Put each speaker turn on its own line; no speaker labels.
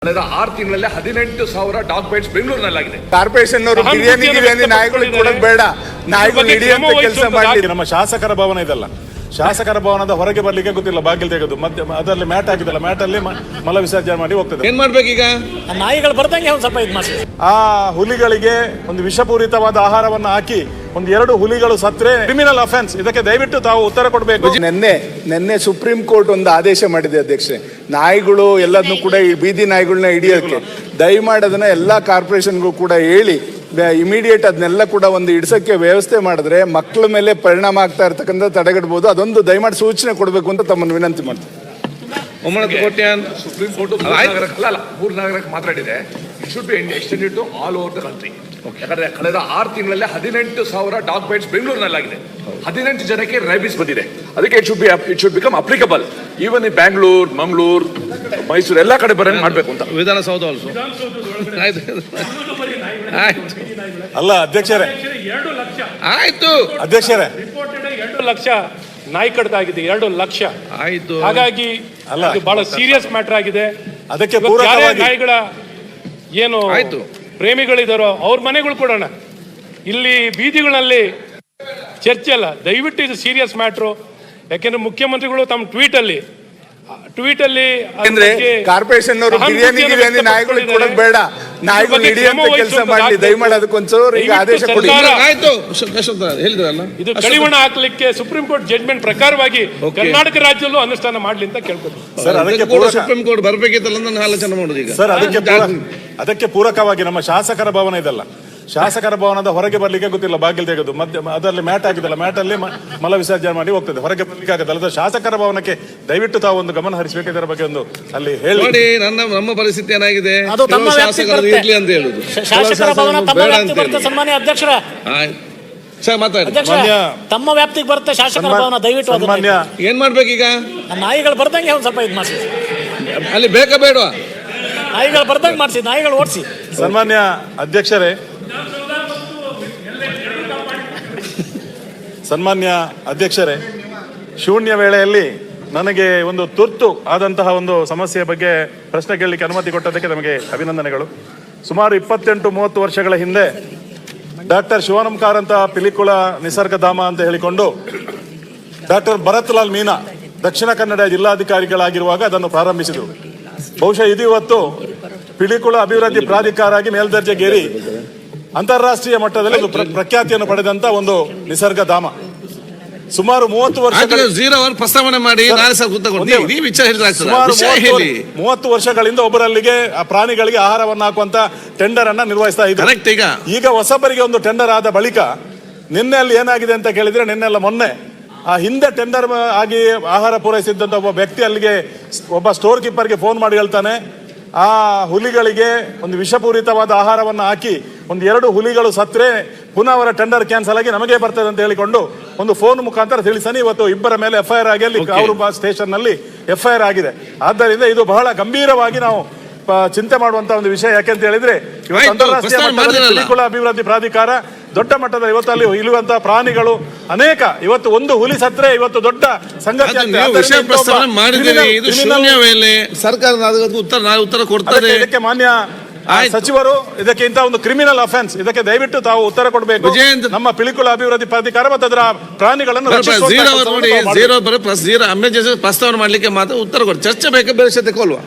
ಕಳೆದ 6 ತಿಂಗಳಲ್ಲಿ 18,000 dog bites ಬೆಂಗಳೂರಿನಲ್ಲಾಗಿದೆ.
Corporation ಅವರು ಬಿರಿಯಾನಿ ನಾಯಿಗಳಿಗೆ ಕೊಡೋದು ಬೇಡ, ನಾಯಿಗಳು ಹಿಡಿಯುವಂತ ಕೆಲಸ ಮಾಡಿ.
ನಮ್ಮ ಶಾಸಕರ ಭವನ ಇದಲ್ಲ, ಶಾಸಕರ ಭವನದ ಹೊರಗೆ ಬರ್ಲಿಕ್ಕೆ ಗೊತ್ತಿಲ್ಲ, ಬಾಗಿಲು ತೆಗೆದು ಮತ್ತೆ ಅದರಲ್ಲಿ ಮ್ಯಾಟ್ ಹಾಕಿದಲ್ಲ, ಮ್ಯಾಟ್ ಅಲ್ಲಿ ಮಲ ವಿಸರ್ಜನೆ ಮಾಡಿ ಹೋಗ್ತದೆ.
ಏನ್ ಮಾಡ್ಬೇಕೀಗ?
ನಾಯಿಗಳು ಬರ್ದಂಗೆ ಒಂದು ಸ್ವಲ್ಪ ಇದು ಮಾಡಿ.
ಆ ಹುಲಿಗಳಿಗೆ ಒಂದು ವಿಷಪೂರಿತವಾದ ಆಹಾರವನ್ನು ಹಾಕಿ 2 ಹುಲಿಗಳು ಸತ್ರೆ ಕ್ರಿಮಿನಲ್ ಅಫೆನ್ಸ್. ಇದಕ್ಕೆ ದಯವಿಟ್ಟು ತಾವು ಉತ್ತರ ಕೊಡಬೇಕು.
ನಿನ್ನೆ ಸುಪ್ರೀಂ ಕೋರ್ಟ್ ಒಂದು ಆದೇಶ ಮಾಡಿದೆ ಅಧ್ಯಕ್ಷೆ, ನಾಯಿಗಳು ಎಲ್ಲದನ್ನು ಕೂಡ ಈ ಬೀದಿ ನಾಯಿಗಳನ್ನ ಹಿಡಿಯೋಕೆ ದಯಮಾಡಿ ಅದನ್ನ ಎಲ್ಲಾ ಕಾರ್ಪೊರೇಷನ್ಗೂ ಕೂಡ ಹೇಳಿ ಇಮಿಡಿಯೇಟ್ ಅದನ್ನೆಲ್ಲ ಕೂಡ ಒಂದು ಇಡ್ಸಕ್ಕೆ ವ್ಯವಸ್ಥೆ ಮಾಡಿದ್ರೆ ಮಕ್ಕಳ ಮೇಲೆ ಪರಿಣಾಮ ಆಗ್ತಾ ಇರ್ತಕ್ಕಂಥ ತಡೆಗಟ್ಟಬಹುದು. ಅದೊಂದು ದಯಮಾಡಿ ಸೂಚನೆ ಕೊಡಬೇಕು ಅಂತ ತಮ್ಮನ್ನು ವಿನಂತಿ ಮಾಡ್ತೀನಿ.
ಸುಪ್ರೀಂ ಕೋರ್ಟ್ 3 ನಗರಕ್ಕೆ ಮಾತಾಡಿದೆ. It should be extended to all over the country. ಯಾಕಂದ್ರೆ ಕಳೆದ 6 ತಿಂಗಳಲ್ಲಿ 18,000 ಡಾಗ್ ಬೈಟ್ಸ್ ಬೆಂಗಳೂರಿನಲ್ಲಾಗಿದೆ. 18 ಜನಕ್ಕೆ ರೈಬಿಸ್ ಬಂದಿದೆ. ಅದಕ್ಕೆ it should become applicable even in Bangalore, Mangaluru, Mysuru ಎಲ್ಲ ಕಡೆ ಬರಂಗ್ ಮಾಡ್ಬೇಕು ಅಂತ. ವಿಧಾನಸೌಧ ಆಲ್ಸೋ.
ಅಲ್ಲ ಅಧ್ಯಕ್ಷರೇ,
2 ಲಕ್ಷ
ಆಯ್ತು
ಅಧ್ಯಕ್ಷರೇ,
2 ಲಕ್ಷ ನಾಯಿ ಕಡಿತ ಆಗಿದೆ. 2 ಲಕ್ಷ
ಆಯ್ತು.
ಹಾಗಾಗಿ
ಅಲ್ಲ,
ಇದು ಬಹಳ ಸೀರಿಯಸ್ ಮ್ಯಾಟರ್ ಆಗಿದೆ.
ಅದಕ್ಕೆ
ಯಾರೇ
ಪೂರಕವಾಗಿ
ನಾಯಿಗಳ ಏನು
ಆಯ್ತು
ಪ್ರೇಮಿಗಳಿದಾರೋ ಅವ್ರ ಮನೆಗಳು ಕೊಡೋಣ. ಇಲ್ಲಿ ಬೀದಿಗಳಲ್ಲಿ ಚರ್ಚೆ ಅಲ್ಲ, ದಯವಿಟ್ಟು ಇದು ಸೀರಿಯಸ್ ಮ್ಯಾಟ್ರು. ಯಾಕೆಂದ್ರೆ ಮುಖ್ಯಮಂತ್ರಿಗಳು ತಮ್ಮ ಟ್ವೀಟ್ ಅಲ್ಲಿ
ಅಂದ್ರೆ ಕಾರ್ಪೊರೇಷನ್ ಅವರು ಬಿರಿಯಾನಿ ನಾಯಿಗಳಿಗೆ ಕೊಡೋದು ಬೇಡ, ನಾಯಿಗಳು ಹಿಡಿಯುವಂತ ಕೆಲಸ ಮಾಡಿ. ದಯಮಾಡಿ ಅದಕ್ಕೊಂಚೂರು ಈಗ ಆದೇಶ ಕೊಡಿ.
ಆಯ್ತು ಹೇಳಿದ್ರಲ್ಲ,
ಇದು ಕಡಿವಾಣ ಹಾಕ್ಲಿಕ್ಕೆ ಸುಪ್ರೀಂ ಕೋರ್ಟ್ ಜಡ್ಜ್ಮೆಂಟ್ ಪ್ರಕಾರವಾಗಿ ಕರ್ನಾಟಕ ರಾಜ್ಯದಲ್ಲೂ ಅನುಷ್ಠಾನ ಮಾಡ್ಲಿ ಅಂತ ಕೇಳ್ಕೊತೀನಿ
ಸರ್. ಅದಕ್ಕೆ
ಸುಪ್ರೀಂ ಕೋರ್ಟ್ ಬರ್ಬೇಕಿತ್ತಲ್ಲ ನನ್ನ ಆಲೋಚನೆ ಮಾಡೋದು ಈಗ
ಸರ್. ಅದಕ್ಕೆ ಪೂರಕವಾಗಿ ನಮ್ಮ ಶಾಸಕರ ಭವನ ಇದಲ್ಲ, ಶಾಸಕರ ಭವನದ ಹೊರಗೆ ಬರ್ಲಿಕ್ಕೆ ಗೊತ್ತಿಲ್ಲ, ಬಾಗಿಲು ತೆಗೆದು ಮತ್ತೆ ಅದರಲ್ಲಿ ಮ್ಯಾಟ್ ಹಾಕಿದಲ್ಲ, ಮ್ಯಾಟ್ ಅಲ್ಲಿ ಮಲ ವಿಸರ್ಜನೆ ಮಾಡಿ ಹೋಗ್ತದೆ, ಹೊರಗೆ ಬರ್ಲಿಕ್ಕೆ ಆಗುತ್ತಲ್ಲ. ಶಾಸಕರ ಭವನಕ್ಕೆ ದಯವಿಟ್ಟು ತಾವು ಒಂದು ಗಮನ ಹರಿಸಬೇಕು. ಇದರ ಬಗ್ಗೆ ಒಂದು ಅಲ್ಲಿ ಹೇಳಿ.
ನೋಡಿ, ನಮ್ಮ ಪರಿಸ್ಥಿತಿ ಏನಾಗಿದೆ,
ಅದು ತಮ್ಮ
ಶಾಸಕರು ಇರ್ಲಿ ಅಂತ ಹೇಳುದು.
ಶಾಸಕರ ಭವನ ತಮ್ಮ ವ್ಯಾಪ್ತಿಗೆ ಬರುತ್ತೆ. ಸನ್ಮಾನ್ಯ ಅಧ್ಯಕ್ಷರ, ತಮ್ಮ ವ್ಯಾಪ್ತಿಗೆ ಬರುತ್ತೆ ಶಾಸಕರ ಭವನ. ದಯವಿಟ್ಟು
ಸನ್ಮಾನ್ಯ,
ಏನ್ ಮಾಡ್ಬೇಕೀಗ?
ನಾಯಿಗಳು ಬರ್ದಂಗೆ ಒಂದು ಸ್ವಲ್ಪ ಇದು ಮಾಡಿಸಿ.
ಅಲ್ಲಿ ಬೇಕಾ ಬೇಡವಾ?
ನಾಯಿಗಳು ಬರ್ದಂಗೆ ಮಾಡಿಸಿ, ನಾಯಿಗಳು ಓಡಿಸಿ.
ಸನ್ಮಾನ್ಯ ಅಧ್ಯಕ್ಷರೇ, ಸನ್ಮಾನ್ಯ ಅಧ್ಯಕ್ಷರೇ, ಶೂನ್ಯ ವೇಳೆಯಲ್ಲಿ ನನಗೆ ಒಂದು ತುರ್ತು ಆದಂತಹ ಒಂದು ಸಮಸ್ಯೆಯ ಬಗ್ಗೆ ಪ್ರಶ್ನೆ ಕೇಳಲಿಕ್ಕೆ ಅನುಮತಿ ಕೊಟ್ಟದಕ್ಕೆ ನಮಗೆ ಅಭಿನಂದನೆಗಳು. ಸುಮಾರು 28-30 ವರ್ಷಗಳ ಹಿಂದೆ ಡಾಕ್ಟರ್ ಶಿವಾನಂದ ಕಾರಂತ ಪಿಲಿಕುಳ ನಿಸರ್ಗಧಾಮ ಅಂತ ಹೇಳಿಕೊಂಡು ಡಾಕ್ಟರ್ ಭರತ್ ಲಾಲ್ ಮೀನಾ ದಕ್ಷಿಣ ಕನ್ನಡ ಜಿಲ್ಲಾಧಿಕಾರಿಗಳಾಗಿರುವಾಗ ಅದನ್ನು ಪ್ರಾರಂಭಿಸಿದರು. ಬಹುಶಃ ಇದು ಇವತ್ತು ಪಿಲಿಕುಳ ಅಭಿವೃದ್ಧಿ ಪ್ರಾಧಿಕಾರ ಆಗಿ ಮೇಲ್ದರ್ಜೆಗೇರಿ ಅಂತಾರಾಷ್ಟ್ರೀಯ ಮಟ್ಟದಲ್ಲಿ ಪ್ರಖ್ಯಾತಿಯನ್ನು ಪಡೆದಂತ ಒಂದು ನಿಸರ್ಗಧಾಮ. ಸುಮಾರು 30
ಪ್ರಸ್ತಾವನೆ ಮಾಡಿ
30 ವರ್ಷಗಳಿಂದ ಒಬ್ಬರಲ್ಲಿಗೆ ಪ್ರಾಣಿಗಳಿಗೆ ಆಹಾರವನ್ನು ಹಾಕುವಂತ ಟೆಂಡರ್ ಅನ್ನ ನಿರ್ವಹಿಸ್ತಾ ಇದ್ದಾರೆ. ಈಗ ಹೊಸಬರಿಗೆ ಒಂದು ಟೆಂಡರ್ ಆದ ಬಳಿಕ ನಿನ್ನೆ ಅಲ್ಲಿ ಏನಾಗಿದೆ ಅಂತ ಕೇಳಿದ್ರೆ, ನಿನ್ನೆಲ್ಲ ಮೊನ್ನೆ ಆ ಹಿಂದೆ ಟೆಂಡರ್ ಆಗಿ ಆಹಾರ ಪೂರೈಸಿದ್ದಂತ ಒಬ್ಬ ವ್ಯಕ್ತಿ ಅಲ್ಲಿಗೆ ಒಬ್ಬ ಸ್ಟೋರ್ ಕೀಪರ್ಗೆ ಫೋನ್ ಮಾಡಿ ಹೇಳ್ತಾನೆ, ಆ ಹುಲಿಗಳಿಗೆ ಒಂದು ವಿಷಪೂರಿತವಾದ ಆಹಾರವನ್ನು ಹಾಕಿ 2 ಹುಲಿಗಳು ಸತ್ರೆ ಪುನಃ ಅವರ ಟೆಂಡರ್ ಕ್ಯಾನ್ಸಲ್ ಆಗಿ ನಮಗೆ ಬರ್ತದೆ ಅಂತ ಹೇಳಿಕೊಂಡು ಒಂದು ಫೋನ್ ಮುಖಾಂತರ ತಿಳಿಸಾನೆ ಇವತ್ತು ಇಬ್ಬರ ಮೇಲೆ FIR ಆಗಿ ಅಲ್ಲಿ ಕಾವೂರು ಸ್ಟೇಷನ್ ನಲ್ಲಿ FIR ಆಗಿದೆ. ಆದ್ದರಿಂದ ಇದು ಬಹಳ ಗಂಭೀರವಾಗಿ ನಾವು ಚಿಂತೆ ಮಾಡುವಂತ ಒಂದು ವಿಷಯ. ಯಾಕೆಂತ ಹೇಳಿದ್ರೆ ಇವತ್ತು ಅಂತಾರಾಷ್ಟ್ರೀಯ ಮಟ್ಟದಲ್ಲಿ ಪಿಲಿಕುಳ ಅಭಿವೃದ್ಧಿ ಪ್ರಾಧಿಕಾರ ದೊಡ್ಡ ಮಟ್ಟದ ಇವತ್ತಲ್ಲಿ ಇರುವಂತಹ ಪ್ರಾಣಿಗಳು ಅನೇಕ, ಇವತ್ತು ಒಂದು ಹುಲಿ ಸತ್ರೆ ಇವತ್ತು ದೊಡ್ಡ ಸಂಗತಿ.
ಉತ್ತರ ಕೊಡ್ತಾರೆ.
ಇದಕ್ಕೆ ಮಾನ್ಯ ಸಚಿವರು ಇದಕ್ಕೆ ಇಂತಹ ಒಂದು ಕ್ರಿಮಿನಲ್ ಅಫೆನ್ಸ್, ಇದಕ್ಕೆ ದಯವಿಟ್ಟು ತಾವು ಉತ್ತರ ಕೊಡಬೇಕು. ನಮ್ಮ ಪಿಲಿಕುಳ ಅಭಿವೃದ್ಧಿ ಪ್ರಾಧಿಕಾರ ಮತ್ತು ಅದರ ಪ್ರಾಣಿಗಳನ್ನು
ಪ್ರಸ್ತಾವನೆ ಮಾಡ್ಲಿಕ್ಕೆ ಮಾತ್ರ ಉತ್ತರ ಕೊಡಿ. ಚರ್ಚೆ ಬೇಕಾ ಬೇರೆ ತೆಗೊಳ್ಳುವ.